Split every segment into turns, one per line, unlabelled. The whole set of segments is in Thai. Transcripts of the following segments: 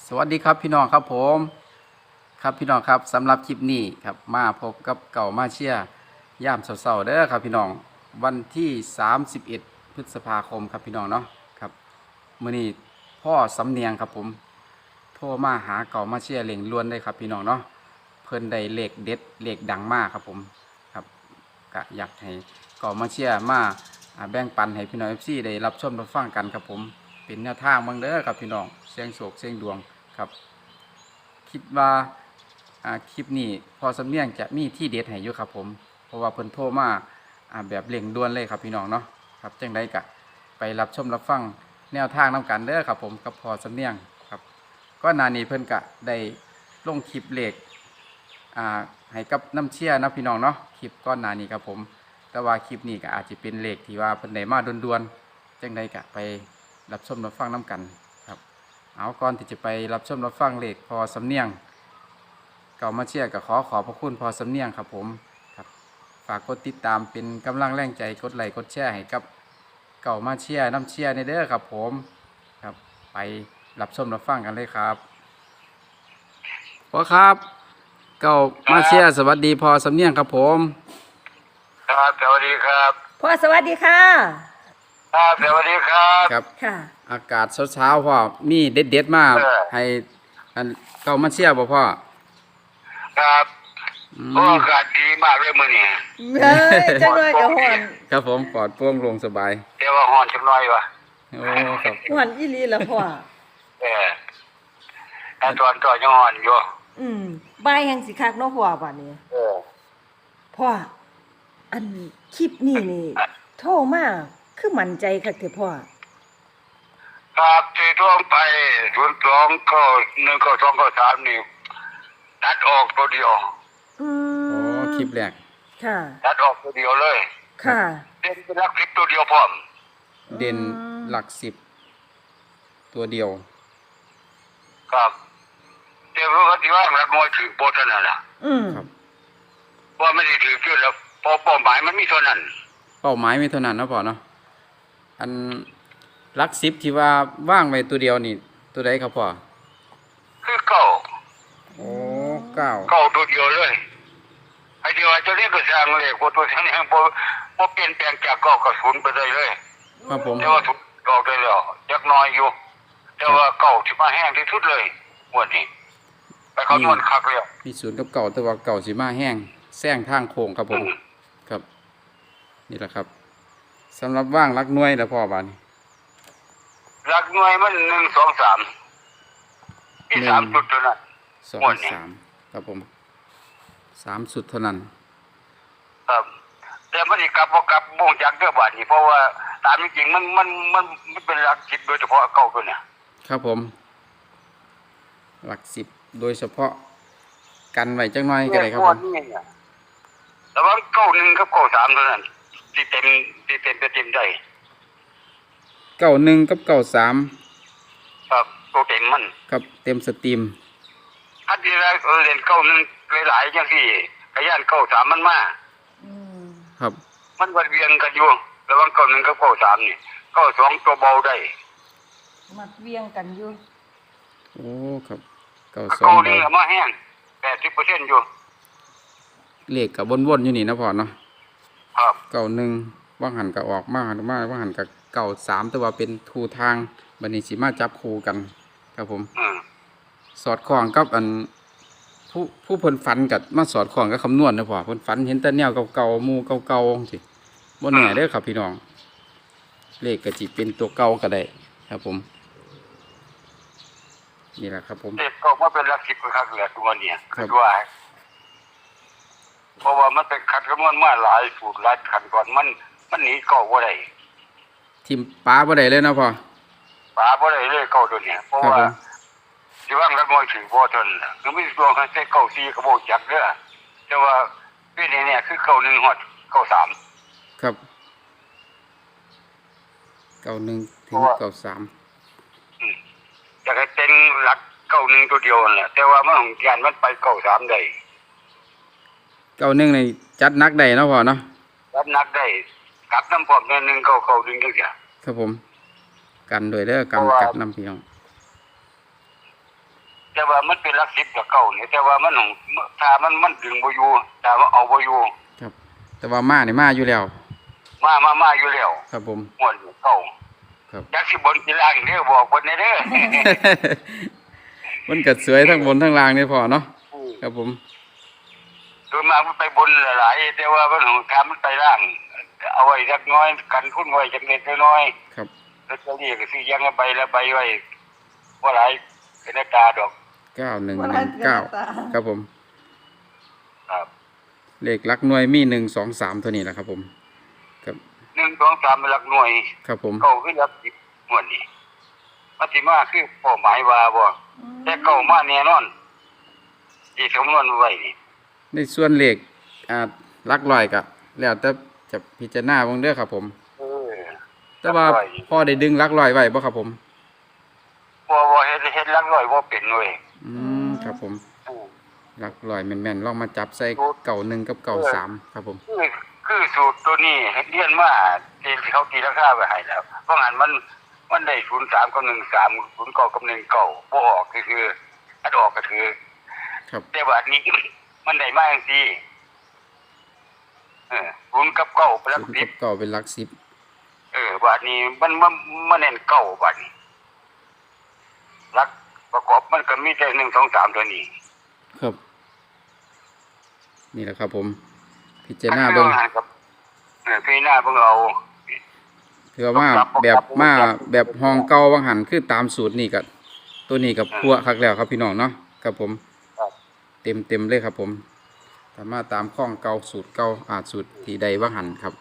สวัสดีครับพี่น้องครับผมครับพี่น้องครับสำหรับคลิปนี้ครับมาพบกับเก่ามาเชียร์ย่ามเสาๆเด้อครับพี่น้องวันที่31พฤษภาคมครับพี่น้องเนาะครับมื้อนี้พ่อสำเนียงครับผมโทรมาหาเก่ามาเชียร์เล่งล้วนได้ครับพี่น้องเนาะเพิ่นได้เลขเด็ดเลขดังมากครับผมครับก็อยากให้เก่ามาเชียร์มาแบ่งปันให้พี่น้อง FC ได้รับชมรับฟังกันครับผมเป็นแนวทางบางเด้อครับพี่น้องเสียงโศกเสียงดวงครับคิดว่าคลิปนี้พอสำเนียงจะมีที่เด็ดให้อยู่ครับผมเพราะว่าเพิ่นโทรมาแบบเร่งด่วนเลยครับพี่น้องเนาะครับจังได๋ก็ไปรับชมรับฟังแนวทางนํกันเด้อครับผมกับพอสำเนียงครับก็นานี้เพิ่นก็ได้ลงคลิปเลขให้กับน้ำเชี่ยนะพี่น้องเนาะคลิปก้อนหนานี้ครับผมแต่ว่าคลิปนี้ก็อาจจะเป็นเลขที่ว่าเพิ่นได้มาด่วนๆจังไดก็ไปรับชมรับฟังนํกันครับเอาก่อนที่จะไปรับชมรับฟังเลขพอสำเนียงเก่ามาเชียร์ก็ขอพระคุณพอสำเนียงครับผมครับฝากกดติดตามเป็นกำลังแรงใจกดไลค์กดแชร์ให้กับเก่ามาเชียร์น้ำเชียร์ในเด้อครับผมครับไปรับชมรับฟังกันเลยครับพอครับเก่ามาเชียร์สวัสดีพอสำเนียงครับผม
ครับสวัสดีครับ
พ่อสวัสดีค่ะ
ครับสวัสดีครับ
ครับ
ค่ะ
อากาศเช้าๆพ่อมีเด็ดๆมากให้เก่ามาเชียร์บ่พ่อ
ครับก็อากาศดีมากเลยมื้อนี้
เฮ้ยจังเลยกับหอน
ครับผมปลอดโปร่งโล่งสบาย
แต่ว่าฮ้อนจักหน่อยวะ
โอ้ครับ
หอนอีหลีละพ่อ
แต่ตอนก็ยังฮ้อนอยู่
บ่ายแห่งสิคักเนาะพ่อบัดนี้พ่ออันคลิปนี้นี่โทรมาคือมั่นใจคักเถอะพ่อ
ครับที่ท่วงไป02ก็1ก็2ก็3นี่ตัดออกตัวเดียว
โอ้คลิปแรก
ค่ะ
ตัดออกตัวเดียวเลย
ค่ะ
เด่นเป็นหลัก10ตัวเดียวพร้อม
เด่นหลัก10ตัวเดียว
ครับเดี๋ยวว่าที่ว่าหลักน้อยถือโปรเท่านั้นล่ะ
ครับ
ว่าไม่ได้ถือเกินแล้วเป้าหมายมันมีเท่านั้น
เป้าหมายมีเท่านั้นเนาะพ่อเนาะอันหลัก10ที่ว่าว่างไว้ตัวเดียวนี่ตัวใดครับพ่อ
คือเก้า
โอ้9
ตัวเดียวเลยไอ้เดียวจะเรียกก็สร้างเลยพอตัวนี้พอเปลี่ยนแปลงจากเก้ากับ0ไปเลย
ครับผม
แต่ว่าถูกออกได้แล้วยักน้อยอยู่แต่ว่าเก้าที่มาแห้งที่สุดเลยวันนี้ไปเขานวลคักแล้ว
มี0กับ9แต่ว่า9สิมาแห้งแซงทางโค้งครับผมครับนี่แหละครับสำหรับว่างหลักหน่วยแล้วพ่อบาดนี้
หลักหน่วยมัน1 2 3มี3จุดเท่านั้น
2 3ครับผม3สุดเท่านั้น
ครับแต่มันสิกลับบ่กลับบ่งจักเด้อบาดนี้เพราะว่าตามจริงมันเป็นหลัก10โดยเฉพาะเก้าตัวเนี่ย
ครับผมหลัก10โดยเฉพาะกันไว้จังน้อยก็ได้ครับผม
ระหว่าง91กับ93เท่านั้นที่เต็มได้
91กับ93
ครับตัวเต็มมัน
ครับเต็มสตรีม
ถ้าที่แรกเล่น91หลายๆจังซี่ก็ย่าน93มันมา
ครับ
มันวนเวียนกันอยู่ระหว่าง91กับ93นี่92ตัวเบาได้
มัดเวียงกันอยู่
โอ้ครับ92
นี่มาแห้ง 80% อยู่
เลขก็วนๆอยู่นี่นะพ่อเนาะ
ครับ
91ว่างหันก็ออกมาว่างหันก็93แต่ว่าเป็นทูทางบัดนี้สิมาจับคู่กันครับผมสอดคล้องกับอันผู้เพิ่นฝันกับมาสอดคล้องกับคำนวณนะพ่อเพิ่นฝันเห็นแต่แนวเก่าๆหมู่เก่าๆสิบ่แน่เด้อครับพี่น้องเลขก็สิเป็นตัวเก่าก็ได้ครับผมนี่แหละครับผม
เลขก็มาเป็นหลัก10คักแหละตัวเนี่ยคือว่าเพราะว่ามันเป็นคัดคำนวณมาหลายสูตรหลายขั้นก่อนมันหนีเก่าบ่ได้
ทิมป้าบ่ได้เลยนะพ่อ
ป้าบ่ได้เลยเก่าตัวเนี่ยเพราะว่าสิว่างละน้อยถือบ่ทันคือมีตัวคันใส่94ก็บ่จักเด้อแต่ว่าปีนี้เนี่ยคือ91ฮอด93
ครับ91ถึง93
จะให้เป็นหลัก91ตัวเดียวนั่นแหละแต่ว่ามันของยานมันไป93ได้
91นี่จัดหนักได้เนาะพ่อเนาะ
จัดหนักได้กลับน้ำพร้อม1 9 1จังซี่
ครับผมกันด้วยเด้อกำกับน้ำพี่น้อง
แต่ว่ามันเป็นหลัก10กับเก่าเนี่ยแต่ว่ามันถ้ามันดึงบ่อยู่ถ้าว่าเอาบ่อยู่
ครับ แต่ว่ามานี่มาอยู่แล้ว
มาอยู่แล้ว
ครับผม
หมดเก่า
ครับ
อยากสิบนกีฬาอีกเด้อบอกเพิ่นเด้อ
มันก็สวยทั้งบนทั้งล่างนี่พอเนาะครับผม
โดยมากมันไปบนหลายๆแต่ว่ามันของทำมันไปล่าง เอาไว้จักน้อยกันทุนไว้จักเล็กน้อย
ครับ
แล้วจะเรียกก็สิยังใบละใบไว้บ่หลายเป็นตาดอก
9119ครับผม
ครับ
เลขหลักหน่วยมี1 2 3ตัวนี้แหละครับผมครับ
1 2 3เป็นหลักหน่วย
ครับผม
เก่าคือหลัก10หมวดนี้มันสิมาคือเป้าหมายว่าบ่แต่เก่ามาแน่นอนที่คำนวณไว้นี่
ในส่วนเลขหลักร้อยก็แล้วแต่จะพิจารณาเบิ่งเด้อครับผม
เออ
แต่ว่าพอได้ดึงหลักร้อยไว้บ่ครับผม
บ่เฮ็ดหลักร้อยบ่เป็นเว้ย
ครับผม
อือ
หลักร้อยแม่นๆลองมาจับใส่เก่า1กับเก่า3ครับผม
คือสูตรตัวนี้เรียนมาที่เขาตีราคาไว้ให้แล้วเพราะงั้นมันได้03กับ13 09กับ19บ่ออกก็คืออันออกก็คือ
ครับ
แต่ว่าอันนี้ มันได้มาจังซี่0กับ9เป็นหลัก
0กับเก่าเป็นหลัก10
10บาดนี้มันเน้น9บาดนี้หลักประกอบมันก็มีแต่1 2 3ตัวนี้
ครับ นี่แหละครับผม พิจารณาเบิ่ง
พี่หน้าเบิ่งเอา
ถือว่าแบบห้องเก่าวังหันคือตามสูตรนี่กับตัวนี้กับพัวคักแล้วครับพี่น้องเนาะครับผม
ครับ
เต็มเลยครับผมสามารถตามข้องเก่าสูตรเก่าสูตรที่ใดวังหันครับ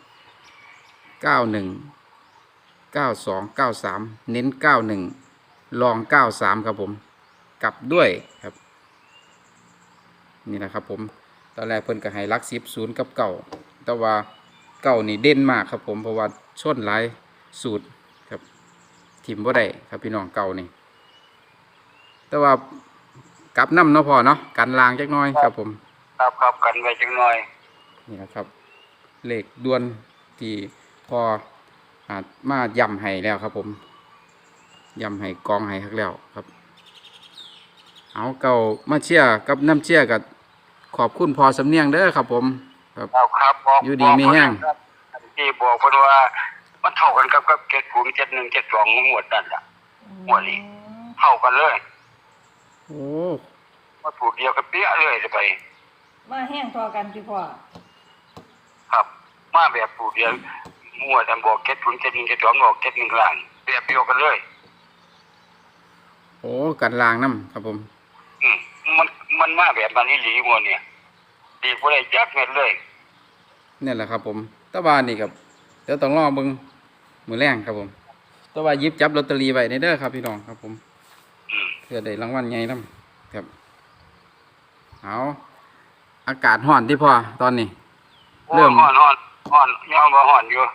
91 92 93เน้น91ลอง93ครับผมกลับด้วยครับนี่นะครับผมตอนแรกเพิ่นก็ให้หลัก10 0กับเก่าแต่ว่าเก่านี่เด่นมากครับผมเพราะว่าชนหลายสูตรครับทิมบ่ได้ครับพี่น้องเก่านี่แต่ว่ากลับน้ำเนาะพอเนาะกันลางจักหน้อยครับผม
ครับกันไว้จังหน่อย
นี่นะครับเลขด่วนที่พอมาย่ำให้แล้วครับผมย่ำให้กองให้คักแล้วครับเอาเก่ามาเชียร์กับน้ำเชียร์กับขอบคุณพอสำเนียงเด้อครับผมครับ
ครับบอก
อยู่ดีมีแห้ง
ที่บอกเพิ่นว่ามันเท่ากันกับ70 71 72หมวดนั่นล่ะหมวดนี้เท่ากันเลย
โอ้
มาถูกเดียวกันเปี้ยเลยจะไป
มาแห้งพอกันพี่พ่อ
ครับ มาแบบถูกเดียวหมวดอันบอก70 71 72บอก71ล่างแบบเดียวกันเลย
โอ้กันลางน้ำครับผม
อืมมันมาแบบนั้นอีหลีหมวดเนี่ยดีบ่ได้จักเม็ดเลย
นี่แหละครับผมแตะวันนี่ครับเดี๋ยวต้องรอเบิ่งมือแรงครับผมแตะวันหยิบจับลอตเตอรี่ไว้ในเด้อครับพี่น้องครับผม
อืม
เพื่อได้รางวัลใหญ่นำครับเอาอากาศร้อนที่พอตอนนี้ เริ่ม
ฮ้อนยอมว่าฮ้อนอยู่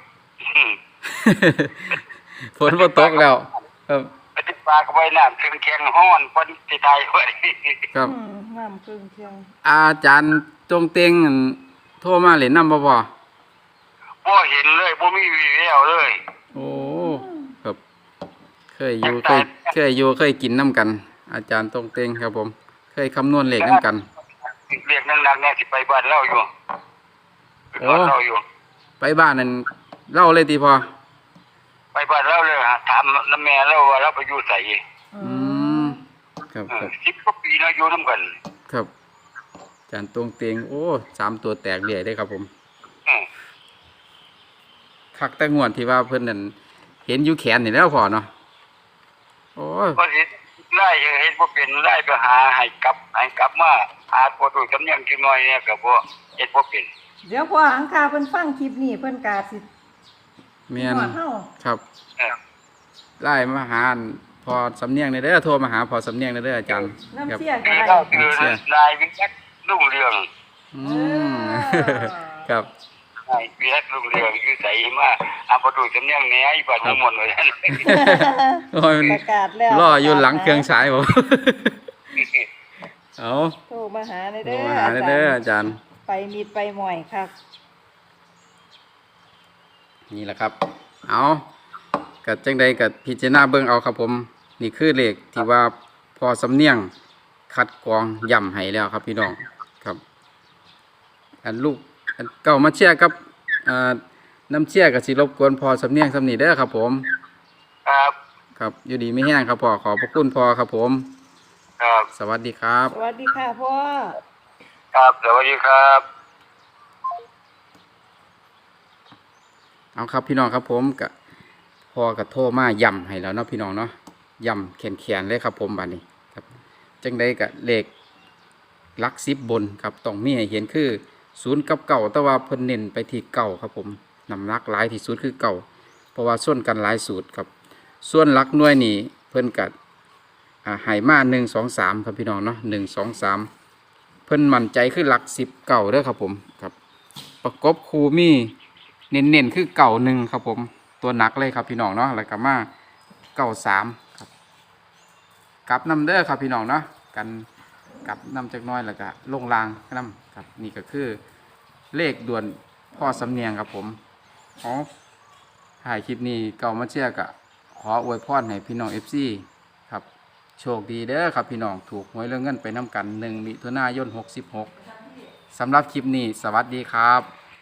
ฝนบ่ตกแล้วครับ
ไปติดปลาก็ไว้น้ำถึงแข็งฮ้อนเพิ่นสิตายไว้
ครับ
น้ำครึ่งเชียง
อาจารย์จงเต็งอั่นโทรมาเล่นน้ำบ่พอ
บ่เห็นเลยบ่มีวี่แววเลย
โอ้ครับเคยอยู่เคยกินน้ำกัน อาจารย์จงเต็งครับผม เคยคำนวณเลขน้ำกัน
เรียกนักๆเนี่ยสิไปบ้านเราอยู่ไปบ้านเราอยู่
ไปบ้านนั่นเล่าเลยตีพอ
ไปบ้านเราเลยฮะถามน้ำแม่เราว่าเราไปอยู่ไส
อืมครับครับ
10กว่าปีแล้วอยู่นำกัน
ครับอาจารย์ตรงเต็งโอ้3ตัวแตกเรื่อยได้ครับผม
อืม
คักแต่งวดที่ว่าเพิ่นนั่นเห็นอยู่แขนนี่แล้วพอเนาะโอ้ย
ก็สิไล่เฮ็ดบ่เป็นไล่ไปหาให้กลับมาหาบ่ถูกสำเนียงจังหน่อยเนี่ยก็บ่เฮ็ดบ่เป็น
เดี๋ยวพ่อหังคาเพิ่นฟังคลิปนี้เพิ่นกาสิ
แม่น
หอดเฮา
ครับ
เออ
ไล่มาหาอั่นพอสำเนียงในเด้อโทรมาหาพอสำเนียงในเด้ออาจารย์ค
น้ำ
รับ
เสียก็
คือ
ได้
เราคือนายวิรัตรุ่งเรือง
อืม ครับ
นายวิรัตรุ่งเรืองอยู่ไสมาอาบ่ถูกสำเนียงแหน่อีบ้านเมืองมนต์ว่าซั่น
โอ้ย
ประกาศแล้ว
รออยู่หลังเครื่องฉายผม เอา
โทรมาหาใน
โทร
เด้อ
มาหาในเด้ออาจารย์
ไปมีดไปหม่อยครับ
นี่แหละครับ เอากัจังใดกับพิจารณาเบิ่งเอาครับผม นี่คือเลขที่ว่าพอสำเนียงคัดกรองย่ำให้แล้วครับพี่น้องครับอันลูกอันเก่ามาเชียร์กับน้ำเชียร์กับสิรบกวนพอสำเนียงสำนีเด้อครับผม
ครับ
ครับอยู่ดีไม่แห้งครับพ่อขอบพระคุณพ่อครับผม
ครับ
สวัสดีครับ
สวัสดีค่ะพ่อ
ครับสวัสดีครับ
เอาครับพี่น้องครับผมกับพ่อกับโทรมาย่ำให้แล้วเนาะพี่น้องเนาะย่ำแขนเลยครับผมบัดนี้ครับจังใดกับเลขหลัก10บนครับต้องมีให้เห็นคือ0กับเก่าแต่ว่าเพิ่นเน้นไปที่เก่าครับผมน้ำหนักหลายที่สุดคือเก่าเพราะว่าส่วนกันหลายสูตรครับส่วนหลักหน่วยนี่เพิ่นกัดให้มา1 2 3ครับพี่น้องเนาะ1 2 3เพิ่นมั่นใจคือหลัก10เก่าเด้อครับผมครับประกบคูมีเน้นๆคือเก่า1ครับผมตัวหนักเลยครับพี่น้องเนาะแล้วก็มาเก่า3ครับกลับนำเด้อครับพี่น้องเนาะกันกลับนำจักหน้อยแล้วก็ลงรางนำครับนี่ก็คือเลขด่วนพ่อสำเนียงครับผมอ๋อถ่ายคลิปนี้เก่ามาเชียร์กะขออวยพรให้พี่น้อง FC ครับโชคดีเด้อครับพี่น้องถูกหวยเรื่องเงินไปน้ำกัน1 มิถุนายน 66สำหรับคลิปนี้สวัสดีครับ